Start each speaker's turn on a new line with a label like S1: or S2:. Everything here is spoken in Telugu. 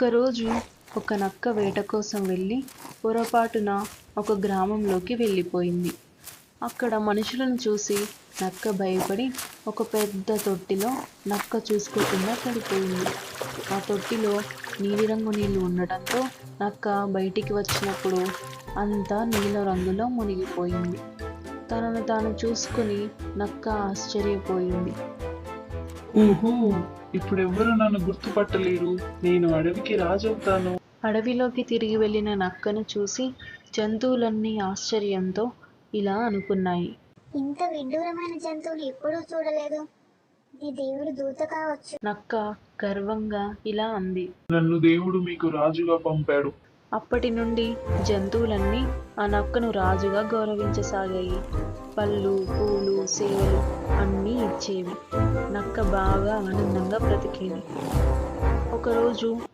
S1: ఒకరోజు ఒక నక్క వేట కోసం వెళ్ళి పొరపాటున ఒక గ్రామంలోకి వెళ్ళిపోయింది. అక్కడ మనుషులను చూసి నక్క భయపడి ఒక పెద్ద తొట్టిలో నక్క చూసుకోకుండా పడిపోయింది. ఆ తొట్టిలో నీలిరంగు నీళ్లు ఉండటంతో నక్క బయటికి వచ్చినప్పుడు అంతా నీల రంగులో మునిగిపోయింది. తనను తాను చూసుకుని నక్క ఆశ్చర్యపోయింది.
S2: ఓహో, ఇప్పుడెవ్వరూ నన్ను గుర్తుపట్టలేరు. నేను అడవికి రాజవుతాను.
S1: అడవిలోకి తిరిగి వెళ్ళిన నక్కను చూసి జంతువులన్నీ ఆశ్చర్యంతో ఇలా అనుకున్నాయి.
S3: ఇంత విడ్డూరమైన జంతువుని ఎప్పుడూ చూడలేదు. ఇది దేవుడి దూత కావచ్చు.
S1: నక్క గర్వంగా ఇలా అంది.
S2: నన్ను దేవుడు మీకు రాజుగా పంపాడు.
S1: అప్పటి నుండి జంతువులన్నీ ఆ నక్కను రాజుగా గౌరవించసాగాయి. పళ్ళు, పూలు, సేవలు అన్నీ ఇచ్చేవి. నక్క బాగా ఆనందంగా బ్రతికేది. ఒకరోజు